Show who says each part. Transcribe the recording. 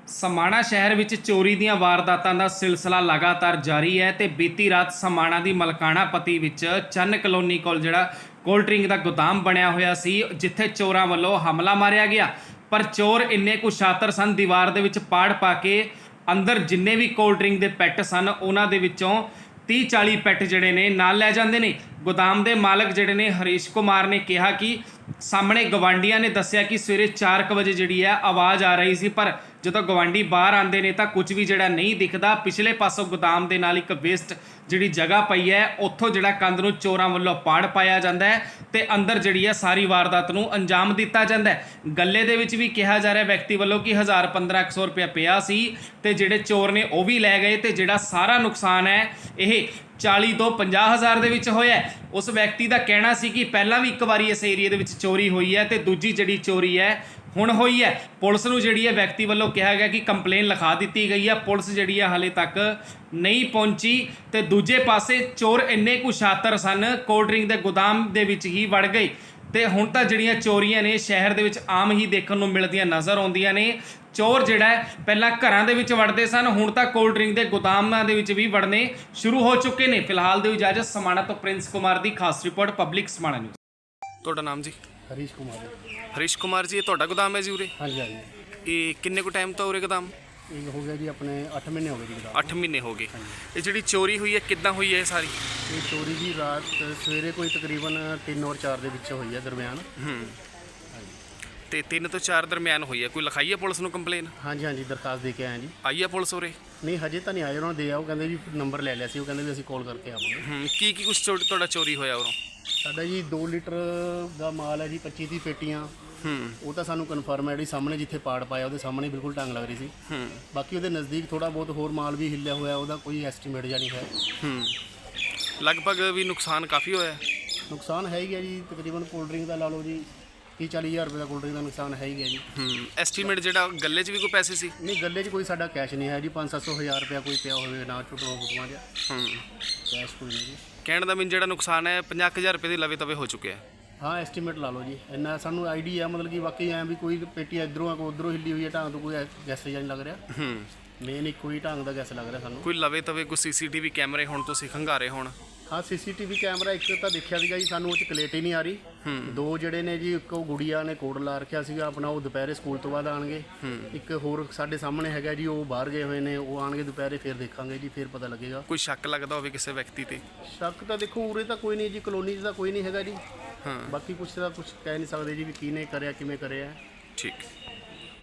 Speaker 1: ਸਮਾਣਾ ਸ਼ਹਿਰ ਵਿੱਚ ਚੋਰੀ ਦੀਆਂ ਵਾਰਦਾਤਾਂ ਦਾ ਸਿਲਸਿਲਾ ਲਗਾਤਾਰ ਜਾਰੀ ਹੈ ਤੇ ਬੀਤੀ ਰਾਤ ਸਮਾਣਾ ਦੀ ਮਲਕਾਣਾ ਪੱਤੀ ਵਿੱਚ ਚੰਨ ਕਲੋਨੀ ਕੋਲ ਜਿਹੜਾ ਕੋਲਡ ਡਰਿੰਕ ਦਾ ਗੋਦਾਮ ਬਣਿਆ ਹੋਇਆ ਸੀ, ਜਿੱਥੇ ਚੋਰਾਂ ਵੱਲੋਂ ਹਮਲਾ ਮਾਰਿਆ ਗਿਆ। ਪਰ ਚੋਰ ਇੰਨੇ ਕੁ ਸ਼ਾਤਰ ਸਨ, ਦੀਵਾਰ ਦੇ ਵਿੱਚ ਪਾੜ ਪਾ ਕੇ ਅੰਦਰ ਜਿੰਨੇ ਵੀ ਕੋਲਡ ਡਰਿੰਕ ਦੇ ਪੈਟ ਸਨ ਉਹਨਾਂ ਦੇ ਵਿੱਚੋਂ 30-40 ਪੈਟ ਜਿਹੜੇ ਨੇ ਨਾਲ ਲੈ ਜਾਂਦੇ ਨੇ। ਗੋਦਾਮ ਦੇ ਮਾਲਕ ਜਿਹੜੇ ਨੇ ਹਰੀਸ਼ ਕੁਮਾਰ ਨੇ ਕਿਹਾ ਕਿ ਸਾਹਮਣੇ ਗਵਾਂਡੀਆਂ ਨੇ ਦੱਸਿਆ ਕਿ ਸਵੇਰੇ 4 ਵਜੇ ਜਿਹੜੀ ਹੈ ਆਵਾਜ਼ ਆ ਰਹੀ ਸੀ, ਪਰ ਜਦੋਂ ਗਵਾਂਡੀ ਬਾਹਰ ਆਉਂਦੇ ਨੇ ਤਾਂ ਕੁਝ ਵੀ ਜਿਹੜਾ ਨਹੀਂ ਦਿਖਦਾ। ਪਿਛਲੇ ਪਾਸੋਂ ਗੋਦਾਮ ਦੇ ਨਾਲ ਇੱਕ ਵੇਸਟ ਜਿਹੜੀ ਜਗ੍ਹਾ ਪਈ ਹੈ, ਉੱਥੋਂ ਜਿਹੜਾ ਕੰਧ ਨੂੰ ਚੋਰਾਂ ਵੱਲੋਂ ਪਾੜ ਪਾਇਆ ਜਾਂਦਾ ਹੈ ਤੇ ਅੰਦਰ ਜਿਹੜੀ ਹੈ ਸਾਰੀ ਵਾਰਦਾਤ ਨੂੰ ਅੰਜਾਮ ਦਿੱਤਾ ਜਾਂਦਾ ਹੈ। ਗੱਲੇ ਦੇ ਵਿੱਚ ਵੀ ਕਿਹਾ ਜਾ ਰਿਹਾ ਵਿਅਕਤੀ ਵੱਲੋਂ ਕਿ 1000-1500 ਰੁਪਇਆ ਪਿਆ ਸੀ ਤੇ ਜਿਹੜੇ ਚੋਰ ਨੇ ਉਹ ਵੀ ਲੈ ਗਏ ਤੇ ਜਿਹੜਾ ਸਾਰਾ ਨੁਕਸਾਨ ਹੈ ਇਹ 40 ਤੋਂ 50 ਹਜ਼ਾਰ ਦੇ ਵਿੱਚ ਹੋਇਆ। ਉਸ ਵਿਅਕਤੀ ਦਾ ਕਹਿਣਾ ਸੀ ਕਿ ਪਹਿਲਾਂ ਵੀ ਇੱਕ ਵਾਰੀ ਇਸ ਏਰੀਏ ਦੇ ਵਿੱਚ ਚੋਰੀ ਹੋਈ ਹੈ ਤੇ ਦੂਜੀ ਜਿਹੜੀ ਚੋਰੀ ਹੈ ਹੁਣ ਹੋਈ ਹੈ। ਪੁਲਿਸ ਨੂੰ ਜਿਹੜੀ ਹੈ ਵਿਅਕਤੀ ਵੱਲੋਂ ਕਿਹਾ ਗਿਆ ਕਿ ਕੰਪਲੇਨ ਲਿਖਾ ਦਿੱਤੀ ਗਈ ਹੈ। ਪੁਲਿਸ ਜਿਹੜੀ ਹੈ ਹਾਲੇ ਤੱਕ ਨਹੀਂ ਪਹੁੰਚੀ ਤੇ ਦੂਜੇ ਪਾਸੇ ਚੋਰ ਇੰਨੇ ਕੁ ਸ਼ਾਤਰ ਸਨ, ਕੋਲਡ ਡਰਿੰਕ ਦੇ ਗੋਦਾਮ ਦੇ ਵਿੱਚ ਹੀ ਵੜ ਗਏ ਤੇ ਹੁਣ ਤਾਂ ਜਿਹੜੀਆਂ ਚੋਰੀਆਂ ਨੇ ਸ਼ਹਿਰ ਦੇ ਵਿੱਚ ਆਮ ਹੀ ਦੇਖਣ ਨੂੰ ਮਿਲਦੀਆਂ ਨਜ਼ਰ ਆਉਂਦੀਆਂ ਨੇ। ਚੋਰ ਜਿਹੜਾ ਪਹਿਲਾਂ ਘਰਾਂ ਦੇ ਵਿੱਚ ਵੜਦੇ ਸਨ, ਹੁਣ ਤਾਂ ਕੋਲਡ ਡਰਿੰਕ ਦੇ ਗੋਦਾਮਾਂ ਦੇ ਵਿੱਚ ਵੀ ਵੜਨੇ ਸ਼ੁਰੂ ਹੋ ਚੁੱਕੇ ਨੇ। ਫਿਲਹਾਲ ਦਿਓ ਇਜਾਜ਼ਤ। ਸਮਾਣਾ ਤੋਂ ਪ੍ਰਿੰਸ ਕੁਮਾਰ ਦੀ ਖਾਸ ਰਿਪੋਰਟ, ਪਬਲਿਕ ਸਮਾਣਾ ਨਿਊਜ਼। ਤੁਹਾਡਾ ਨਾਮ ਜੀ?
Speaker 2: ਹਰੀਸ਼ ਕੁਮਾਰ।
Speaker 1: ਹਰੀਸ਼ ਕੁਮਾਰ ਜੀ, ਇਹ ਤੁਹਾਡਾ ਗੋਦਾਮ ਹੈ ਜੀ ਉਰੇ?
Speaker 2: ਹਾਂਜੀ ਹਾਂਜੀ।
Speaker 1: ਇਹ ਕਿੰਨੇ ਕੁ ਟਾਈਮ ਤੋਂ ਉਰੇ ਗੋਦਾਮ?
Speaker 2: ਇਹ ਹੋ ਗਿਆ ਜੀ ਆਪਣੇ 8 ਮਹੀਨੇ ਹੋ ਗਏ ਜੀ ਗੋਦਾਮ।
Speaker 1: 8 ਮਹੀਨੇ ਹੋ ਗਏ। ਇਹ ਜਿਹੜੀ ਚੋਰੀ ਹੋਈ ਹੈ ਕਿੱਦਾਂ ਹੋਈ ਹੈ ਸਾਰੀ?
Speaker 2: ਇਹ ਚੋਰੀ ਜੀ ਰਾਤ ਸਵੇਰੇ ਕੋਈ ਤਕਰੀਬਨ 3 ਔਰ 4 ਦੇ ਵਿੱਚ ਹੋਈ ਹੈ ਦਰਮਿਆਨ।
Speaker 1: ਤੇ 3 ਤੋਂ 4 ਦਰਮਿਆਨ ਹੋਈ ਹੈ। ਕੋਈ ਲਿਖਾਈ ਹੈ ਪੁਲਿਸ ਨੂੰ ਕੰਪਲੇਨ?
Speaker 2: ਹਾਂਜੀ ਹਾਂਜੀ, ਦਰਖਾਸਤ ਦੇ ਕੇ ਆਏ ਜੀ।
Speaker 1: ਆਈ ਹੈ ਪੁਲਿਸ ਉਰੇ?
Speaker 2: ਨਹੀਂ ਹਜੇ ਤਾਂ ਨਹੀਂ ਆਏ, ਉਹਨਾਂ ਨੂੰ ਦੇ ਆਓ, ਕਹਿੰਦੇ ਜੀ ਨੰਬਰ ਲੈ ਲਿਆ ਸੀ, ਉਹ ਕਹਿੰਦੇ ਵੀ ਅਸੀਂ ਕਾਲ ਕਰਕੇ ਆਵਾਂਗੇ।
Speaker 1: ਕੀ ਕੁਛ ਤੁਹਾਡਾ ਚੋਰੀ ਹੋਇਆ ਉਰੋਂ?
Speaker 2: ਸਾਡਾ ਜੀ 2 ਲੀਟਰ ਦਾ ਮਾਲ ਹੈ ਜੀ, 25-30 ਪੇਟੀਆਂ। ਉਹ ਤਾਂ ਸਾਨੂੰ ਕਨਫਰਮ ਹੈ, ਜਿਹੜੀ ਸਾਹਮਣੇ ਜਿੱਥੇ ਪਾੜ ਪਾਇਆ ਉਹਦੇ ਸਾਹਮਣੇ ਬਿਲਕੁਲ ਟੰਗ ਲੱਗ ਰਹੀ ਸੀ। ਬਾਕੀ ਉਹਦੇ ਨਜ਼ਦੀਕ ਥੋੜਾ ਬਹੁਤ ਹੋਰ ਮਾਲ ਵੀ ਹਿੱਲਿਆ ਹੋਇਆ, ਉਹਦਾ ਕੋਈ ਐਸਟੀਮੇਟ ਜਾਂ ਨਹੀਂ ਹੈ।
Speaker 1: ਲਗਭਗ ਵੀ ਨੁਕਸਾਨ ਕਾਫੀ ਹੋਇਆ?
Speaker 2: ਨੁਕਸਾਨ ਹੈ ਹੀ ਹੈ ਜੀ, ਤਕਰੀਬਨ ਕੋਲਡ ਡਰਿੰਕ ਦਾ ਲਾ ਲਓ ਜੀ 30-40 ਹਜ਼ਾਰ ਰੁਪਏ ਦਾ ਕੋਲਡ ਡਰਿੰਕ ਦਾ ਨੁਕਸਾਨ ਹੈ ਹੀ ਹੈ ਜੀ।
Speaker 1: ਐਸਟੀਮੇਟ ਜਿਹੜਾ ਗੱਲੇ 'ਚ ਵੀ ਕੋਈ ਪੈਸੇ ਸੀ?
Speaker 2: ਨਹੀਂ, ਗੱਲੇ 'ਚ ਕੋਈ ਸਾਡਾ ਕੈਸ਼ ਨਹੀਂ ਹੈ ਜੀ। 500-700 ਹਜ਼ਾਰ ਰੁਪਇਆ ਕੋਈ ਪਿਆ ਹੋਵੇ ਨਾ, ਛੋਟਾ ਫੁੱਟਵਾ ਜਿਹਾ ਕੈਸ਼ ਕੋਈ ਨਹੀਂ ਜੀ।
Speaker 1: ਕਹਿਣ ਦਾ ਮੈਨੂੰ ਜਿਹੜਾ ਨੁਕਸਾਨ ਹੈ 50,000 ਰੁਪਏ ਦੇ ਲਵੇ ਤਵੇ ਹੋ ਚੁੱਕਿਆ।
Speaker 2: ਹਾਂ, ਐਸਟੀਮੇਟ ਲਾ ਲਓ ਜੀ, ਇੰਨਾ ਸਾਨੂੰ ਆਈਡੀਆ, ਮਤਲਬ ਕਿ ਵਾਕਈ ਐਂ ਵੀ ਕੋਈ ਪੇਟੀ ਇੱਧਰੋਂ ਆ ਕੋਈ ਉੱਧਰੋਂ ਹਿੱਲੀ ਹੋਈ ਹੈ, ਢੰਗ ਤੋਂ ਕੋਈ ਗੈਸ ਜਾਂ ਨਹੀਂ ਲੱਗ ਰਿਹਾ। ਮੇਨ ਇੱਕੋ ਹੀ ਢੰਗ ਦਾ ਗੈਸ ਲੱਗ ਰਿਹਾ ਸਾਨੂੰ।
Speaker 1: ਕੋਈ ਲਵੇ ਤਵੇ ਕੋਈ ਸੀਸੀਟੀਵੀ ਕੈਮਰੇ ਹੁਣ ਤੁਸੀਂ ਖੰਗਾਰੇ ਹੋਣ?
Speaker 2: ਹਾਂ, ਸੀਸੀਟੀਵੀ ਕੈਮਰਾ ਇੱਕ ਤਾਂ ਦੇਖਿਆ ਸੀਗਾ ਜੀ, ਸਾਨੂੰ ਉਹ 'ਚ ਕਲੇਟ ਹੀ ਨਹੀਂ ਆ ਰਹੀ। 2 ਜਿਹੜੇ ਨੇ ਜੀ, ਇੱਕ ਉਹ ਗੁੜੀਆ ਨੇ ਕੋਡ ਲਾ ਰੱਖਿਆ ਸੀਗਾ ਆਪਣਾ, ਉਹ ਦੁਪਹਿਰੇ ਸਕੂਲ ਤੋਂ ਬਾਅਦ ਆਣਗੇ। ਇੱਕ ਹੋਰ ਸਾਡੇ ਸਾਹਮਣੇ ਹੈਗਾ ਜੀ, ਉਹ ਬਾਹਰ ਗਏ ਹੋਏ ਨੇ, ਉਹ ਆਣਗੇ ਦੁਪਹਿਰੇ, ਫਿਰ ਦੇਖਾਂਗੇ ਜੀ, ਫਿਰ ਪਤਾ ਲੱਗੇਗਾ।
Speaker 1: ਕੋਈ ਸ਼ੱਕ ਲੱਗਦਾ ਹੋਵੇ ਕਿਸੇ ਵਿਅਕਤੀ ਤੇ?
Speaker 2: ਸ਼ੱਕ ਤਾਂ ਦੇਖੋ ਉਰੇ ਤਾਂ ਕੋਈ ਨਹੀਂ ਜੀ, ਕਲੋਨੀ 'ਚ ਤਾਂ ਕੋਈ ਨਹੀਂ ਹੈਗਾ ਜੀ। ਬਾਕੀ ਕੁਛ ਤਾਂ ਕੁਛ ਕਹਿ ਨਹੀਂ ਸਕਦੇ ਜੀ ਵੀ ਕਿਹਨੇ ਕਰਿਆ, ਕਿਵੇਂ ਕਰਿਆ।
Speaker 1: ਠੀਕ।